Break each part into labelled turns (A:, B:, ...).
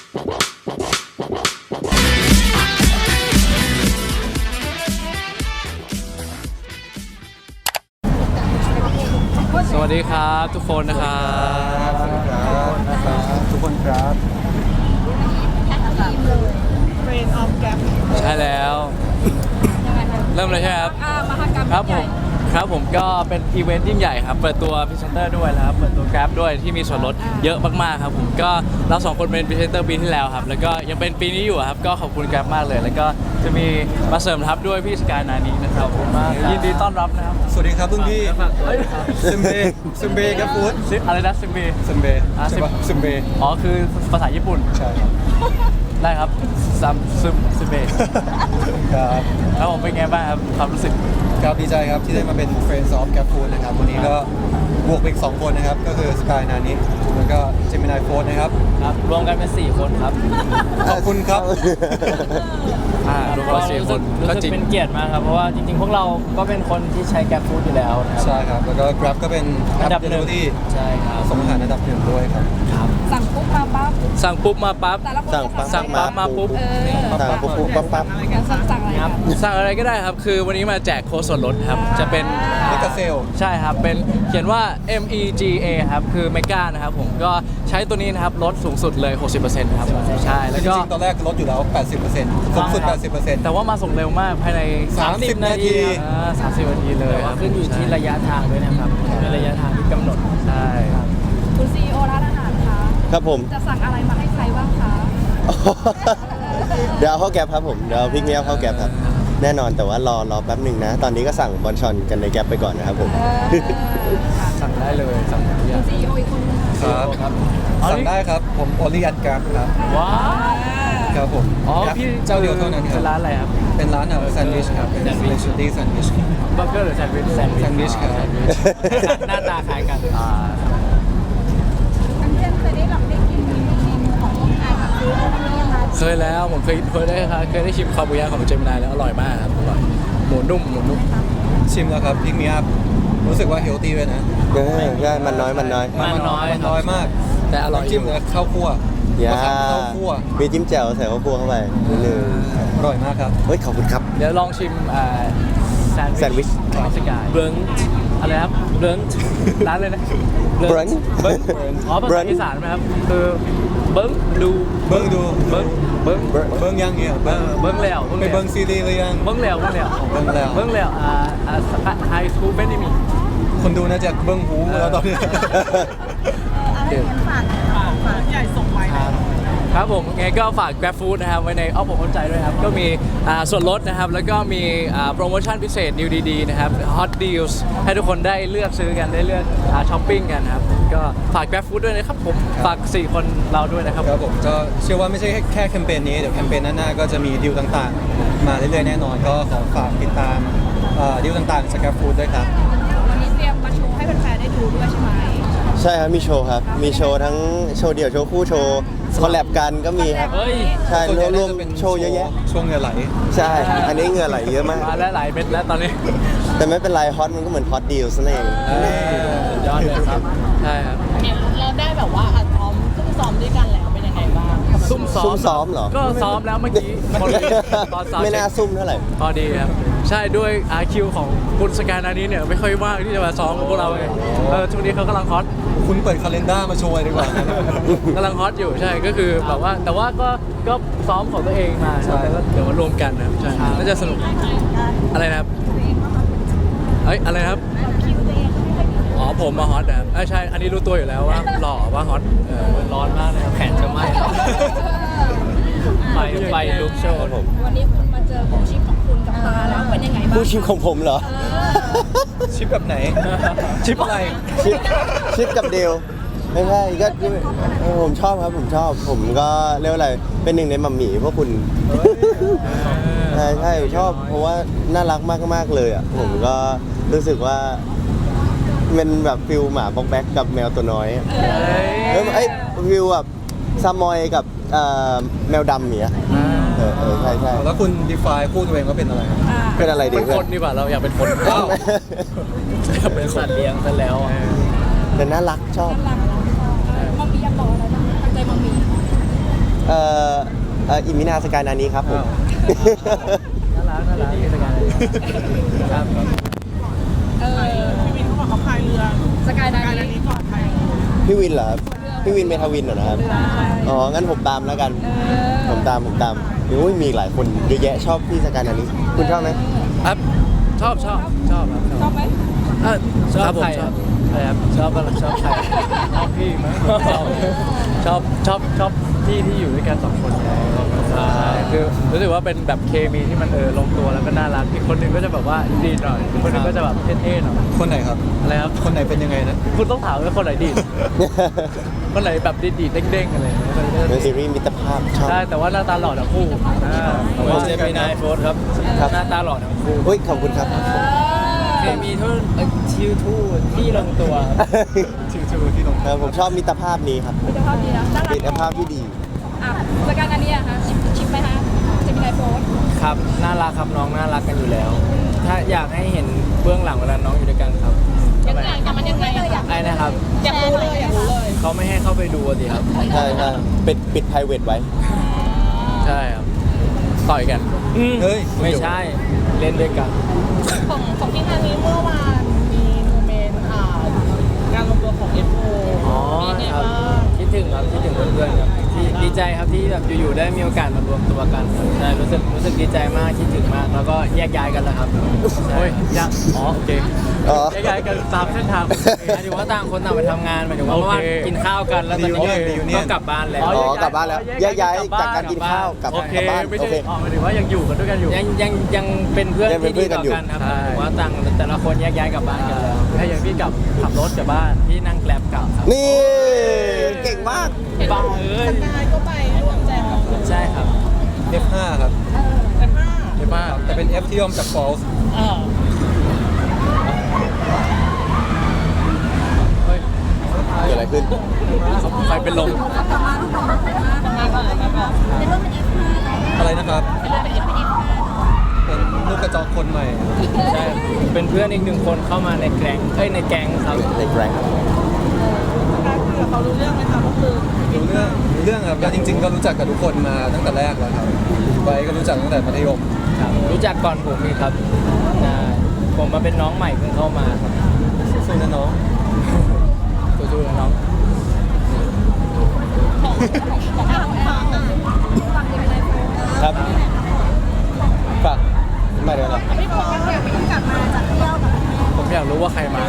A: สวัสดีครับทุกคนนะครับ
B: สวัสดีครับทุกคนครับ
C: เฟรนออฟแกร
A: ใช่แล้วเริ่มเลยใช่ไหมครับ
C: มหกรรม
A: ครับผมครับผมก็เป็นอีเวนต์ยิ่งใหญ่ครับเปิดตัวพรีเซนเตอร์ด้วยนะครับเปิดตัว Grab ด้วยที่มีส่วนลดเยอะมากๆครับผมก็เราสองคนเป็นพรีเซนเตอร์ปีที่แล้วครับแล้วก็ยังเป็นปีนี้อยู่ครับก็ขอบคุณ Grab มากเลยแล้วก็จะมีมาเสริมทัพด้วยพี่สกายนานีนะครับผมยินดีต้อนรับนะครับ
B: สวัสดีครับรุ่นพี่
A: เฮ้ย
B: ซึมเบกับฟู้ด
A: อะไรนะซิมบี
B: ซึมเบใช่ปะซึมเบ
A: อ๋อคือภาษาญี่ปุ่น
B: ใช่ครับ
A: ได้ครับซิมเบ
B: ครับ
A: แล้วผมเป็นไงบ้างครับความรู้สึก
B: ครับดีใจครับที่ได้มาเป็น Friends of Gap Food นะครับวันนี้ก็บวกไปอีก2คนนะครับก็คือสกายนานิแล้วก็เจมินายโฟร์นะครับ
A: ครับรวมกันเป็น4คนครับ
B: ขอบคุณครับ
A: รวมกัน4คนก็
D: รู้
A: จริ
D: สึ
A: ง
D: กเป็นเกียรติมากครับเพราะว่าจริงๆพวกเราก็เป็นคนที่ใช้แกร็บฟู้ดอยู่แล้วนะครับ
B: ใช่ครับแล้วก็ Grab ก็เป็น
D: อันดับหนึ่ง
B: ที่
D: ใช่ครับ
B: ส่งอาหารอันดับหนึ่งด้วยครับ
C: สั่งปุ๊บมาปั๊บ
A: สั่งปุ๊บมาปั๊บ
C: แต่ละคนจะ
A: สั่งปั๊บมาปุ๊บ
B: สั่งปุ๊บปั๊บ
C: สั่งอะไรกัน
A: สั่งอะไรก็ได้ครับ คือวันนี้มาแจกโค้ดส่วนลดครับ จะเป็น
B: เมกาเซล
A: ใช่ครับ เป็นเขียนว่า MEGA ครับ คือเมกานะครับผม ก็ใช้ตัวนี้นะครับ ลดสูงสุดเลย 60%ครับ ใช่ แล้ว
B: จ
A: ก็
B: ริงๆตอนแรกลดอยู่แล้ว 80%สูงสุด 80%
A: แต่ว่ามาส่งเร็วมาก ภายใน
B: 30 นาที
A: 30 นาทีเลย
D: แต่
A: ค
D: ว่า
A: รับ
D: ขึ้นอยู่ที่ระยะทางด้วยนะครับเป็นระยะทางที่กำหนด
A: ใช่
C: คุณซีโอร้านอาหารคะ
E: ครับผม
C: จะสั่งอะไรมาให้ใครบ้างคะ
E: เดี๋ยวเอาเข้าแก๊ปครับผมเดี๋ยวเอาพริกเนี้ยเข้าแก๊ปครับแน่นอนแต่ว่ารอแป๊บหนึ่งนะ ตอนนี้ก็สั่งบอลชอนกันในแก๊ปไปก่อนนะครับผม
A: สั่งได้เลย สั่งทุกอ
C: คุ
A: ย่าง
C: ณซีโออีกคนนึงค่ะ
B: ครับสั่งได้ครับผมโอลิอันกราฟครับ
A: ว้าว
B: ครับผม
A: อ๋อ พี่
B: เจ้าเดียวเท่านั้นค
A: เป็
B: รับ
A: นร้านอะไรครับ
B: เป็นร้านแซนด์วิชครับเป็นสเปเชียลตี้แซนด์วิช
A: เบอร์เกอร์หรือแซนด์วิช
B: แซนด์วิชครับ
A: หน้าตาคล้ายกัน
C: อันเช่นเคยได้ลองได้กินเมนูของพวกอาหารซื้อตรงนี้ยังไง
A: เคยแล้วผมเคยได้ชิมคาบูยาของเจมินายแล้วอร่อยมากครับอร่อยหมูนุ่ม
B: ชิมแล้วครับพิกมีอัพรู้สึกว่าเฮลตี้ด้วยนะ
E: ใช่มันน้อย
A: มันน้อย
B: มันน้อยมาก
A: แต่อร่อย
B: จิ้มกับข้าวคั่ว
E: อย่าม
B: ะขามข้าวคั่ว
E: มีจิ้มแจ่วใส่ข้าวคั่วเข้าไปนิดนึง
B: อร่อยมากครับ
E: เฮ้ยขอบคุณครับ
A: เดี๋ยวลองชิมแซน
E: แซนด์วิช
A: ของสกาย
D: เบิร์น
A: อะไรครับ
D: เบิร์น
A: ร้านเลยนะ
E: Brunch
A: เบิ้งอ๋อภาษา
E: Brunch
A: อีสานไหมครับคือเบิ้งดู
B: เบิ้งดู
A: เบิ้ง
B: เบิ้งยังเนี่ยเบิ้ง
A: เบิ้งแล้ว
B: ไปเบิ้งซีรีส์หรือยัง
A: เบิ้งแล้ว
B: เบิ้งแล้ว
A: เบิ้งแล้วไฮสคูลเป็นมี
B: คนดูน่าจะเบิ้งหูแล้วตอนนี้
C: อะไรเงี้ยฝากใหญ่ส่งไว้นะครับ
A: ผมไงก็ฝาก Grab Food นะครับไว้ในอ้อมอกอ้อมใจด้วยครับ ก็มีส่วนลดนะครับ แล้วก็มีโปรโมชั่นพิเศษ New DD นะครับ Hot Deals ให้ทุกคนได้เลือกซื้อกันได้เลือกช้อปปิ้งกันครับ ก็ฝาก Grab Food ด้วยนะครับผม ฝาก 4 คนเราด้วยนะครับ
B: ครับผมก็เชื่อว่าไม่ใช่แค่แคมเปญนี้เดี๋ยวแคมเปญหน้าๆก็จะมีดีลต่างๆ มาเรื่อยๆแน่นอน ก็ขอฝากติดตามดีลต่างๆสครับฟู้ดด้วยครับ
C: วันนี้เตรียมมาโชว์ให้แฟนๆได้ดูด้วยใช่ไหม
E: ใช่ครับมีโชว์ครับมีโชว์ทั้งโชว์เดี่ยวโชว์คู่โชว์คอลแลบกันก็มีครับ
A: เฮ้ย
E: ใช่
B: ส่วนใหญ่
E: รวม
B: น่าจะเป็น
E: ๆโชว์เยอะแยะ
B: ช่วงเหงื่อไหล
E: ใช่ อันนี้เหงื่อไหลเยอะมาก
A: มาแล้วหลายเม็ดแล้วตอนนี้
E: แต่ไม่เป็นไรฮอตมันก็เหมือนฮอตดีลนั่นเอง
A: สุดยอดเลยครับ ใช่ครับ
F: เราได้แบบว่าซ้อมด้วยกันแล้วเป็นยังไงบ้าง
A: ซุ่มซ้อ
E: ซุ่
A: ม
E: มซ้อมเหรอ
A: ก็ซ้อมแล้วเมื่อกี้คนตอนซ้อม
E: ไม่น่าซุ่มเท่าไหร่
A: พอดีครับ ใช่ด้วยคิวของคุณสกายนานี้เนี่ยไม่ค่อยว่างที่จะมาซ้อมกับพวกเราไงช่วงนี้เขากำลังฮอต
B: คุณเปิดคาล endar มาโชว์เลยดีกว่า
A: กำลังฮอตอยู่ใช่ก็คือแบบว่าแต่ว่าก็ซ้อมของตัวเองมา
B: ใช่
A: แล้วเดี๋ยวมารวมกันนะครับใช่น่าจะสนุกอะไรนะครับเอ้ยอะไรนะครับอ๋อผมมาฮอตนะครับใช่อันนี้รู้ตัวอยู่แล้วว่าหล่อว่าฮอตร้อนมากเลยครับแขนจะไหม้ไฟลุกโชว์
E: ครับผม
C: วันนี้คุณมาเจอของชิปของคุณกับตาแล้วเป็นยังไงบ้าง
E: ผู้ชิมของผมเหรอ
B: ชิปแบบไหน ชิปอะไร
E: ชิปกับเดลไม่ใช่ก็ผมชอบครับผมชอบ ผมก็เรียกว่าอะไรเป็นหนึ่งในมัมหมี่พวกคุณใช่ชอบเพราะว่าน่ารักมากๆเลยอ่ะผมก็รู้สึกว่าเป็นแบบฟิลหมาบ็อกแบ็กกับแมวตัวน้อยเอ้ยฟิลแบบซามอยกับแมวดำอย่างเงี้ยใช่
B: แล้วคุณ define คู่ตัวเองว่าเป็นอะไรครับ
E: เป็นอะไรดี
A: เป็น
E: เพื่
A: ค
E: อน
A: นดีกว่าเราอยากเป็นคนอยากเป็นสัตว์เลี้ยงซะแล้ว
E: แต่น่ารักชอบ
C: น่ารักมามีอยากบอกอะไรบ้างตั้งใจมามี
E: อิมินาสกายนานี้ครับผม
D: น่ารักที่สกายครับ
F: พี่วินเขาบอกเขาพายเรือ
C: สกายนา
F: การ
C: นี้
F: อันนี้ปลอดภัย
E: พี่วินเหรอครับพี่วินเมทาวินเหรอนะครับอ๋องั้นผมตามแล้วกัน ผมตามโอ้ยมีหลายคนเยอะแยะชอบพี่สกายนานี้คุณชอบไหม
A: ครับชอบครับ
C: ชอบไหม
A: ชอบ
D: ชอบ
A: ผม
D: ใคร
A: ช
D: ค
A: อ
D: รั
A: บบ
D: อะไรครับชอบอะไรชอบใคร
A: ชอบพี่มั้งชอบพี่ที่อยู่ด้วยกัน2 คนใช่คือรู้สึกว่าเป็นแบบเคมีที่มันลงตัวแล้วก็น่ารักอีกคนหนึงก็จะแบบว่าดีหน่อยอีกคนหนึงก็จะแบบเท่ๆหน่อย
B: คนไหนครับ
A: อะไรครับ
B: คนไหนเป็นยังไงนะ
A: คุณต้องถามว่าคนไหนดีด คนไหนแบบดีดๆเด้งๆอะไรอย่างเงี้ย
E: เป็นซีรีส์มิตรภาพชอบ
A: ใช่แต่ว่าหน้าตาหล่อทั้งคู่า
D: ผมเจมินายโฟร์ครับ
E: ครับ
D: หน้าตาหล่อทั้งคู่
E: เฮ้ยขอบคุณครับ
D: เคมีทุกชิวทูที่ลงตัว
B: ชื่อที่ลง
E: ผมชอบมิตรภาพนี้ครับ
C: มิตรภาพดีนะน่ารัก
E: มิตรภาพที่ดี
C: อ่ะสกายนานี้อะคะชิปไหมคะจะมีไลฟ์โพส
D: ครับน่ารักครับน้องน่ารักกันอยู่แล้ว ถ้าอยากให้เห็นเบื้องหลังเวลาน้องอยู่ด้วยกันครับ
C: ยังไงแต่มันยังไงเลยอยาก
D: ไอ้นะครับ
F: อยากรู้เลยอยากรู้เลย
D: เขาไม่ให้เข้าไปดูสิครับ
E: ใช่ปิด private ไว้
A: ใช่ครับต่อยกัน
B: เฮ้ย
D: ไม่ใช่เล่นด้วยกัน
F: ของที่งานนี้เมื่อวานมีโมเมนต์การรวมตัวของ F4
D: อ๋อ
F: เป็นไง
D: ครับ
F: บ้าง
D: คิดถึงครับคิดถึงเพื่อนๆครับที่ดีใจครับที่แบบอยู่ๆได้มีโอกาสมารวมตัวกันครับใช่รู้สึกดีใจมากคิดถึงมากแล้วก็แยกย้ายกันแล้วครับ
A: โอ้ยยังอ๋อโอเค
E: อ๋อ
A: ย้ายๆกันตามเส้นทาง
D: หมายถึงว่าต่างคนต่างไปทำงานหมายถึงว่า
A: โอเค
D: เมื่อวานกินข้าวกันแล้วตอนนี้
B: Reunion
D: ก็กลับบ้านแล้ว
E: อ๋อกลับบ้านแล้วแยกย้ายจากการกินข้าวกลับ
A: โอเค
E: บ้าน
A: ไม่
E: โอ
A: ใช่
E: เค
A: อ๋อหมายถึงว่ายังอยู่กันด้วยกันอยู่
D: ยังเป็นเพื่อน
E: ยังเป็น
D: ที่
E: เพื่
D: ดี
E: อนกันอยู่
D: ต่อกันครับ
A: ใช่
D: หมายถึงว่าต่างแต่ละคนแยกย้ายกลับบ้านกันแล้ว
A: ให้อย่างพี่กลับขับรถกลับบ้าน
D: พี่นั่งแกร็บกลับครับ
E: นี่เก่งมาก
D: บ้าเอ้ย
F: สกายก็ไปร่วมแจมกับ
D: ใช่ครับ
B: F5 ครับ
F: F5
A: ใช่ป่ะ
B: แต่เป็น F ที่ย่อมจาก false
A: เฮ้ย
E: เกิดอะไรขึ้น
A: ใครเป็นลม
F: มาก่อนมาก่อน
C: ในเรื่องเป็น F5
B: อะไรนะครับ
C: เป็น F5
B: เป็นลูกกระจอกคนใหม่
D: ใช่เป็นเพื่อนอีกหนึ่งคนเข้ามาในแก๊งในแก๊งครับ
E: ในแกรง
F: คือเขารู้เรื่องไหมคะก็คือ
B: รู้เรื่องครับแล้วจริง ๆ ก็รู้จักกับทุกคนมาตั้งแต่แรกแล้วครับไว้ก็รู้จักตั้งแต่มัธยม
D: ครับรู้จักก่อนผมอีกครับใช่ผมมาเป็นน้องใหม่เพิ่งเข้ามาครับ
B: สู้ๆนะน้อง
D: สู้ๆนะน้อง
E: ครับฝากมาเดี๋ยวนะ
C: พี่บอกว่าอยากไปกลับมาจากเที่ยวกับแม่
A: ผมอยากรู้ว่าใครมา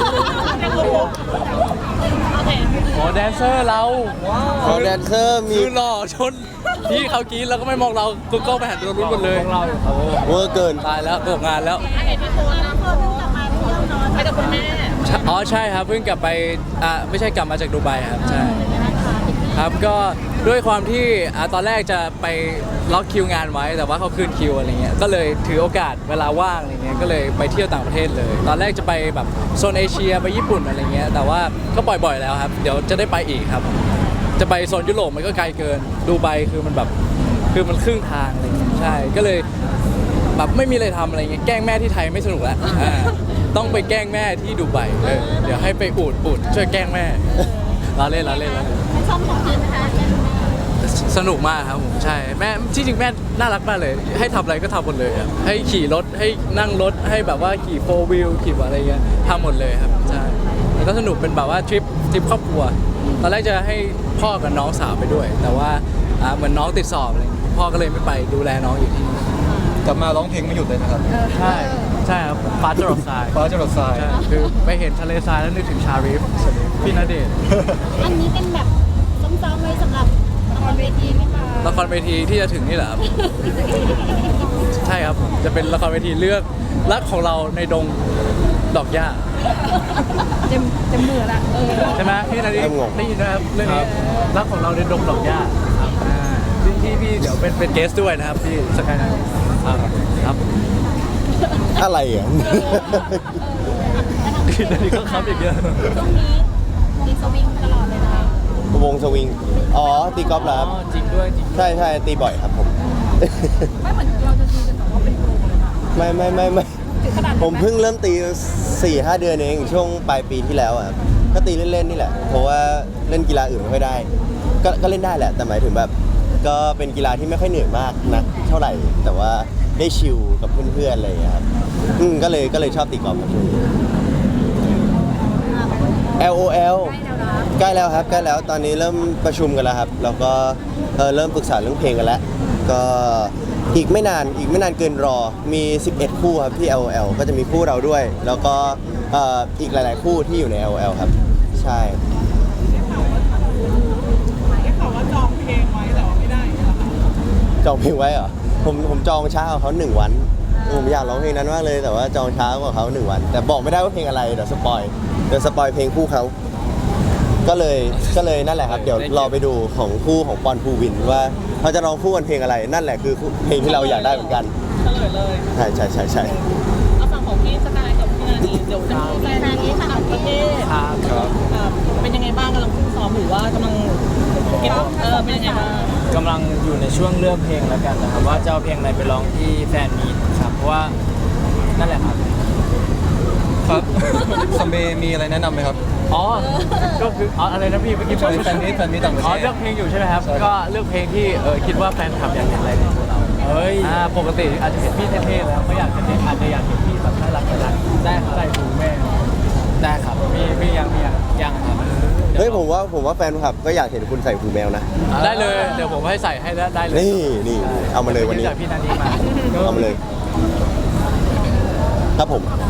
A: อ๋อแดนเซอร์เรา
E: ขอแดนเซอร์มี
A: คือหล่อชนพี่เขากรีดแล้วก็ไม่มองเรากูก็ไปหันตัวรุ่นหมดเลย
D: พวกเราอยู่ครับ
E: เวอร์เกิน
A: ตายแล้วตกงานแล้ว
F: อันไหนที่โพสต์นะ
C: เพิ่มกลับมาเที่ยวเนาะ
F: ไปกับคุณแม่
A: อ๋อใช่ครับเพิ่งกลับไปไม่ใช่กลับมาจากดูไบครับใช่ครับก็ด้วยความที่ตอนแรกจะไปล็อกคิวงานไว้แต่ว่าเขาคืนคิวอะไรเงี้ยก็เลยถือโอกาสเวลาว่างอะไรเงี้ยก็เลยไปเที่ยวต่างประเทศเลย ตอนแรกจะไปแบบโซนเอเชียไปญี่ปุ่นอะไรเงี้ยแต่ว่าก็ปล่อยบ่อยแล้วครับเดี๋ยวจะได้ไปอีกครับ จะไปโซนยุโรปมันก็ไกลเกินดูไบคือมันแบบคือมันครึ่งทางอะไรเงี้ยใช่ก็เลยแบบไม่มีอะไรทำอะไรเงี้ยแกล้งแม่ที่ไทยไม่สนุกแล้วต้องไปแกล้งแม่ที่ดูไบเดี๋ยวให้ไปอูดช่วยแกล้งแม่ล้อเล่น
C: ไม่ชอบของกินนะคะ
A: สนุกมากครับผมใช่แม่ที่จริงแม่น่ารักมากเลย ให้ทำอะไรก็ทำหมดเลยครับให้ขี่รถให้นั่งรถให้แบบว่าขี่โฟวิลขี่อะไรเงี้ยทำหมดเลยครับใช่แล้วก็สนุกเป็นแบบว่าทริปครอบครัวตอนแรกจะให้พ่อกับน้องสาวไปด้วย แต่ว่าเหมือนน้องติดสอบอะไรเงี้ยพ่อก็เลยไม่ไปดูแลน้องอยู่ที่นี่
B: กลับมาร้องเพลงไม่หยุดเลยนะครับ
A: ใช่ครับฟ้าจรดทราย
B: ฟ้าจะหลดทราย
A: ใช่คือไปเห็นทะเลทรายแล้วนึกถึงชาริฟพี่ณเดชน์
C: อันนี้เป็นแบบซ้อมๆไว้สำหรับละครเวทีไหมคะ
A: ละครเวทีที่จะถึงนี่แหละครับ ใช่ครับผมจะเป็นละครเวทีเลือกรักของเราในดงดอกหญ้า
C: เต็มมือละ
A: ใช่ไหมพี่นาดี
E: เริ่มงง
A: ได้ยินนะครับเรื่องนี้รักของเราในดงดอกหญ้าที่พี่เดี๋ยวเป็นเกสด้วยนะครับที่สกายนาครับ
E: อะไรอ่ะ
A: พี่นาดีก็ครับอีกเยอะ
C: ช่วงนี้มีสวิงตลอดเลยนะคะ
E: วงสวิง อ๋อ ตีกอล์ฟเหรอครับ
D: จริงด้วยจริง
E: ใช่ตีบ่อยครับผม
C: ไม่เหมือนเราจะตีกันแบบว่าเป็นโปรเลยนะ
E: ไม่
C: ถึงขนาดนั้นไห
E: ผมเพิ่งเริ่มตี 4-5 เดือนเองช่วงปลายปีที่แล้วอะครับก็ตีเล่นๆนี่แหละ เพราะว่าเล่นกีฬาอื่นไม่ค่อยได้ ก็เล่นได้แหละ แต่หมายถึงแบบก็เป็นกีฬาที่ไม่ค่อยเหนื่อยมากนะเท่าไหร่ แต่ว่าได้ชิลกับเพื่อนๆอะไรอย่างเงี้ยครับก็เลยชอบตีกอล์ฟครับช่วงนี้ LOL ใกล้แล้วครับใกล้แล้วตอนนี้เริ่มประชุมกันแล้วครับแล้วก็เริ่มปรึกษาเรื่องเพลงกันแล้วก็อีกไม่นานเกินรอมี 11 คู่ครับที่ LOL ก็จะมีคู่เราด้วย แล้วก็อีกหลายๆคู่ที่อยู่ใน LOL ครับใช่
F: ได้ข่าวว่าจองเพลงไว้แต่ว่าไม่ได้เหรอคะ
E: จองเพลงไว้เหรอผมจองช้ากว่าเขา1 วันผมอยากร้องเพลงนั้นมากเลยแต่ว่าจองช้ากว่าเขา1 วัน แต่บอกไม่ได้ว่าเพลงอะไรเดี๋ยวสปอยเพลงคู่เขาก็เลยนั่นแหละครับเดี๋ยวรอไปดูของคู่ของปอนภูวินว่าเขาจะร้องคู่กันเพลงอะไรนั่นแหละคือเพลงที่เราอยากได้เหมือนกัน
F: เฉลยเลย
E: ใช่
F: เอาฝั่งของพี่สกายกับพี่นานีเดี๋ยวจะมีแฟนนี้ต่างประเทศ
D: ครับ
F: เป็นยังไงบ้างกำลังฝึกซ้อมหรือว่ากำลังเป็นยังไงบ้าง
D: กำลังอยู่ในช่วงเลือกเพลงแล้วกันนะครับว่าจะเอาเพลงอะไรไปร้องที่แฟนมีตครับเพราะว่านั่นแหละครับ
B: ครับซัมเบย์มีอะไรแนะนำไหมครับ
A: อ๋อก็คืออะไรนะพี่เมื่อกี้
B: แฟนมิตต่างประ
A: อ๋อ
B: เทศ
A: เลือกเพลงอยู่ใช่ไหมครับก็เลือกเพลงที่คิดว่าแฟนคลับอยากเห็นอะไรในตัวเรา
D: เฮ้ย
A: ปกติอาจจะเห็นพี่เท่ๆแล้วก็อาจจะอยากเห็นพี่แบบน่ารักได้ครับใส่หูแม่
D: ได้ครับ
A: มียัง
D: ยังครับ
E: เฮ้ยผมว่าแฟนคลับก็อยากเห็นคุณใส่หูแมวนะ
A: ได้เลยเดี๋ยวผมให้ใส่ให้ได้เลย
E: นี่เอามาเลยวันนี้
A: จากพี่นาดีมา
E: เอามาเลยครับผม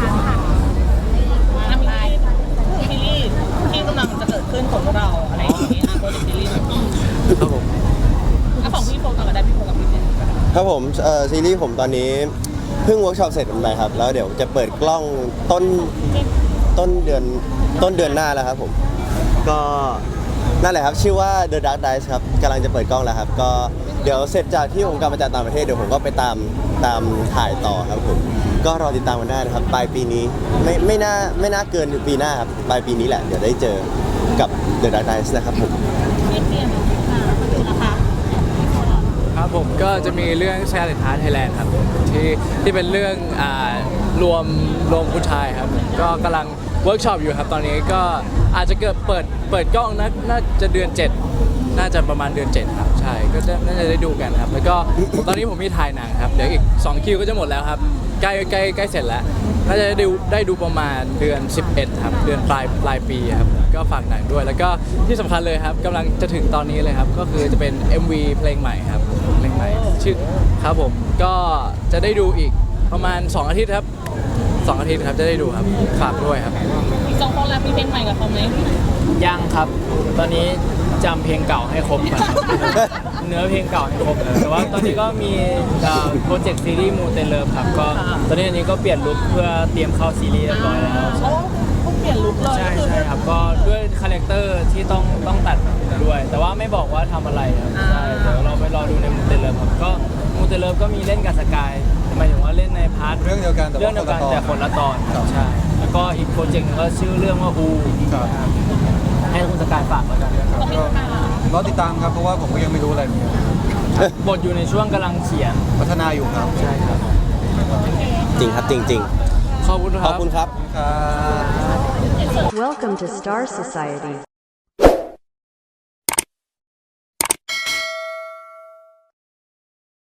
F: ซีรีส์ที่กำลังจะเกิดขึ้นของพวกเราอะไรอย่างนี้โปรเจกต์ซีรีส์
A: ครับผม
F: ของพี่โฟกัสกับได้พี่โฟกัสพี่เจน
E: ครับผมซีรีส์ผมตอนนี้เพิ่งเวิร์กช็อปเสร็จไปครับแล้วเดี๋ยวจะเปิดกล้องต้นเดือนหน้าแล้วครับผมก็นั่นแหละครับชื่อว่า The Dark Dice ครับกำลังจะเปิดกล้องแล้วครับก็เดี๋ยวเสร็จจากที่ผมกลับมาจากต่างประเทศเดี๋ยวผมก็ไปตามถ่ายต่อครับผมก็รอติดตามกันได้นะครับปลายปีนี้ไม่น่าเกินปีหน้าครับปลายปีนี้แหละเดี๋ยวได้เจอกับ The Dark Dice นะครับผม
F: พี่เจนนะคะ
A: ครับผมก็จะมีเรื่อง Challenge Heart Thailand ครับที่เป็นเรื่องรวมผู้ชายครับก็กำลังเวิร์กช็อปอยู่ครับตอนนี้ก็อาจจะเปิดกล้องน่าจะเดือน 7 น่าจะประมาณเดือน 7 ครับใช่ก็น่าจะได้ดูกันครับแล้วก็ตอนนี้ผมมีถ่ายหนังครับเดี๋ยวอีก2 คิวก็จะหมดแล้วครับใกล้เสร็จแล้วน่าจะได้ดูประมาณเดือน 11 ครับเดือนปลายปีครับก็ฝากหนังด้วย แล้วก็ที่สำคัญเลยครับกำลังจะถึงตอนนี้เลยครับก็คือจะเป็น MV เพลงใหม่ครับเพลงใหม่ชื่อครับผมก็จะได้ดูอีกประมาณ2 อาทิตย์ครับ2 อาทิตย์ครับจะได้ดูครับฝากด้วยครับ
F: อีก2 คนแล้วมีเพลงใหม่กับเขาไหม
D: ยังครับ ตอนนี้จำเพลงเก่าให้ครบก่อนครับเนื้อเพลงเก่าให้ครบเลยแต่ว่าตอนนี้ก็มีโปรเจกต์ซีรีส์มูเตเลิฟครับก็ตอนนี้อันนี้ก็เปลี่ยนลุคเพื่อเตรียมเข้าซีรีส์เรียบร้อยแล้ว
F: เพราะว่าต้องเปลี่ยนลุคเลย
D: ใช่ครับก็ด้วยคาแรคเตอร์ที่ต้องตัดด้วย แต่ว่าไม่บอกว่าทำอะไรครับใช่เดี๋ยวเราไปรอดูในมูเตเลิฟครับก็มูเตเลิฟก็มีเล่นกับสกายหมายถึงว่าเล่นในพาร์ท
B: เรื่องเดียวกัน
D: เรื่องเดียวกันแต่คนละตอน
B: ครับ
D: ใช่แล้วก็อีกโปรเจกต์หนึงก็ชื่อเรื่องว่าอู
B: ครับ
D: ให้คุณสกายฝากแล้วกัน
B: ครับก็รอติดตามครับเพราะว่าผมก็ยังไม่รู้อะไรเหมือนกัน
D: บทอยู่ในช่วงกำลังเขียน
B: พัฒนาอยู่ครับ
D: ใช่ครับ
E: จริงครับจริง
A: ขอบคุณค
E: ข
A: รั
E: อบคุณครับ
B: ครับ
G: Welcome to Star Society.